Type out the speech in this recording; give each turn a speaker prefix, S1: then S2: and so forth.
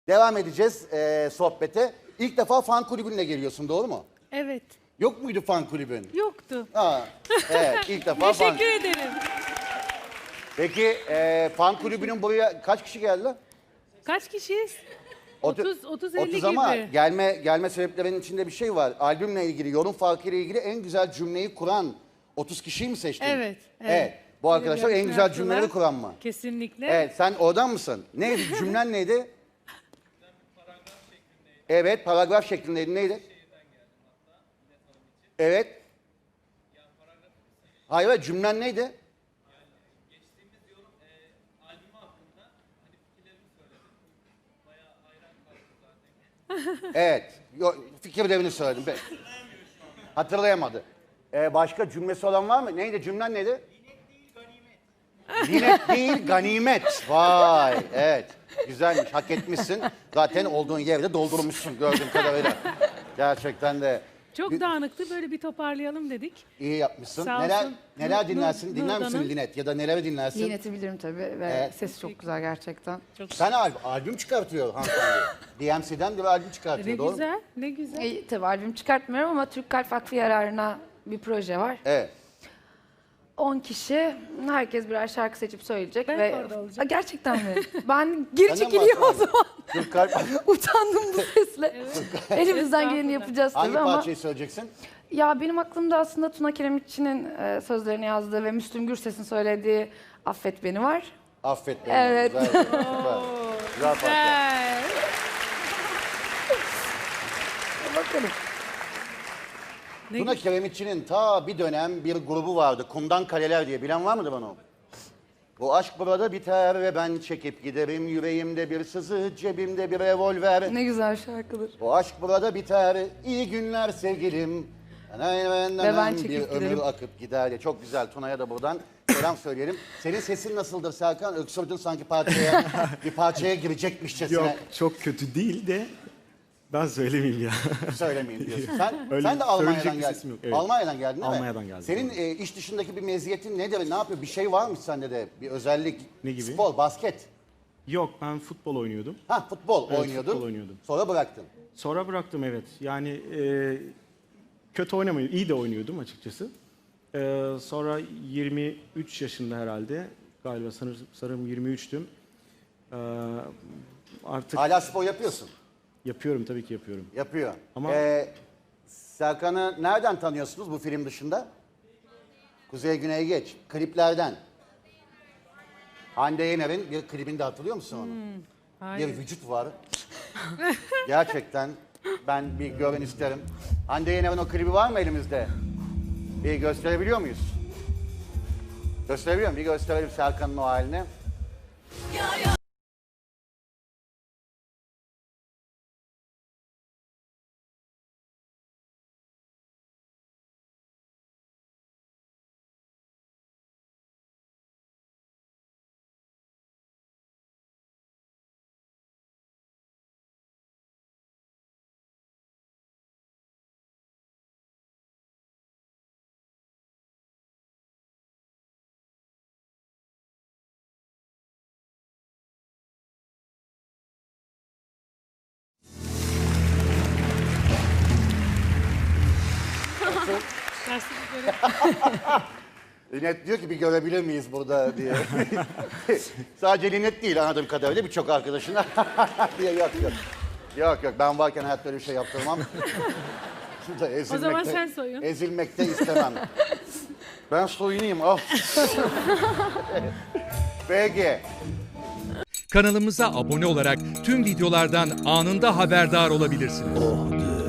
S1: Devam edeceğiz sohbete. İlk defa fan kulübünle geliyorsun, doğru mu?
S2: Evet.
S1: Yok muydu fan kulübün?
S2: Yoktu.
S1: Ha, evet, ilk defa fan.
S2: Teşekkür ederim.
S1: Peki fan kulübünün buraya kaç kişi geldi?
S2: Kaç kişiyiz?
S1: Otu-
S2: 30-50
S1: 30 ama
S2: gibi.
S1: gelme sebeplerinin içinde bir şey var. Albümle ilgili, yorum farkıyla ilgili en güzel cümleyi kuran 30 kişiyi mi seçtin?
S2: Evet.
S1: Bu arkadaşlar en güzel
S2: Yaptılar.
S1: cümleleri kuran mı?
S2: Kesinlikle.
S1: Evet, sen oradan mısın? Neydi? Cümlen neydi? Evet, paragraf şeklindeydi. Neydi? Evet. Hayır, cümlen neydi? Evet, fikirlerini söyledim. Hatırlayamadı. Başka cümlesi olan var mı? Neydi? Cümlen neydi? Linet değil, ganimet. Vay, evet. Güzelmiş, hak etmişsin. Zaten olduğun yerde doldurmuşsun gördüğüm kadarıyla. Gerçekten de
S2: Çok dağınıktı. Böyle bir toparlayalım dedik.
S1: iyi yapmışsın.
S2: Sağ
S1: Neler
S2: olsun.
S1: dinlersin? Dinler misin
S2: Nurdan'ın.
S1: Linet? Ya da neleri dinlersin?
S3: Linet'i bilirim tabii ve
S1: Evet.
S3: sesi çok güzel gerçekten.
S1: Sen albüm çıkartıyor hanımefendi. DMC'den bir albüm çıkartıyor,
S2: Ne
S1: doğru mu?
S2: güzel, ne güzel.
S3: Tabii albüm çıkartmıyorum ama Türk Kalp Vakfı yararına bir proje var.
S1: Evet.
S3: 10 kişi, herkes birer şarkı seçip söyleyecek.
S2: Ben
S3: ve
S2: orada olacağım.
S3: Gerçekten mi? Ben geri
S1: Sen de mi
S3: çekileyim o
S1: varsın?
S3: zaman.
S1: Türk Kalp...
S3: Utandım bu sesle. Elimizden geleni
S2: Estağfurullah.
S3: yapacağız
S1: Hangi
S3: tabii ama...
S1: parçayı söyleyeceksin?
S3: Ya benim aklımda aslında Tuna Kiremitçi'nin sözlerini yazdığı ve Müslüm Gürses'in söylediği Affet Beni var.
S1: Affet beni.
S3: Evet.
S1: Güzel, süper. Güzel parça.
S2: Güzel.
S3: Bakalım.
S1: Tuna Kiremitçi'nin ta bir dönem bir grubu vardı. Kumdan Kaleler diye. Bilen var mıdır onu? Bu aşk burada biter ve ben çekip giderim. Yüreğimde bir sızı, cebimde bir revolver.
S3: Ne güzel şarkıdır.
S1: Bu aşk burada biter. İyi günler sevgilim.
S3: Ve ben
S1: bir
S3: çekip
S1: ömür
S3: giderim.
S1: akıp gider diye. Çok güzel. Tuna'ya da buradan selam söyleyelim. Senin sesin nasıldır Serkan? Öksürdün sanki bir parçaya girecekmişçesine.
S4: Yok çok kötü değil de ben söylemeyeyim ya.
S1: Söylemeyeyim diyorsun.
S4: Öyle
S1: Sen de Almanya'dan
S4: söyleyecek bir
S1: geldin.
S4: sesim yok, evet.
S1: Almanya'dan geldin değil mi?
S4: Almanya'dan geldim.
S1: Senin iş dışındaki bir meziyetin nedir? Ne yapıyor? Bir şey var mı sende de? Bir özellik?
S4: Ne gibi?
S1: Spor, basket.
S4: Yok ben futbol oynuyordum.
S1: Ha, futbol
S4: Evet,
S1: oynuyordun.
S4: futbol oynuyordum.
S1: Sonra bıraktın.
S4: Sonra bıraktım evet. Yani kötü oynamıyordum. İyi de oynuyordum açıkçası. Sonra 23 yaşında herhalde. Galiba sanırım 23'tüm. Artık
S1: Hala spor yapıyorsun.
S4: yapıyorum tabii ki yapıyorum.
S1: Yapıyor.
S4: Ama-
S1: Serkan'ı nereden tanıyorsunuz bu film dışında? Kuzey Güney Geç. Kliplerden. Hande Yener'in bir klibinde hatırlıyor musun onu?
S2: Hayır.
S1: Bir vücut var. Gerçekten ben bir görün isterim. Hande Yener'in o klibi var mı elimizde? Bir gösterebiliyor muyuz? Gösterebiliyor muyum? Bir gösterelim Serkan'ın o halini.
S2: Nasıl bir görev?
S1: Linet diyor ki bir görebilir miyiz burada diye. Sadece Linet değil anladığım kadarıyla birçok arkadaşına. diye yok. Yok ben varken hayatta öyle bir şey yaptırmam.
S2: O zaman sen soyun.
S1: Ezilmekte istemem. Ben soyunayım. Of. Peki.
S5: Kanalımıza abone olarak tüm videolardan anında haberdar olabilirsiniz.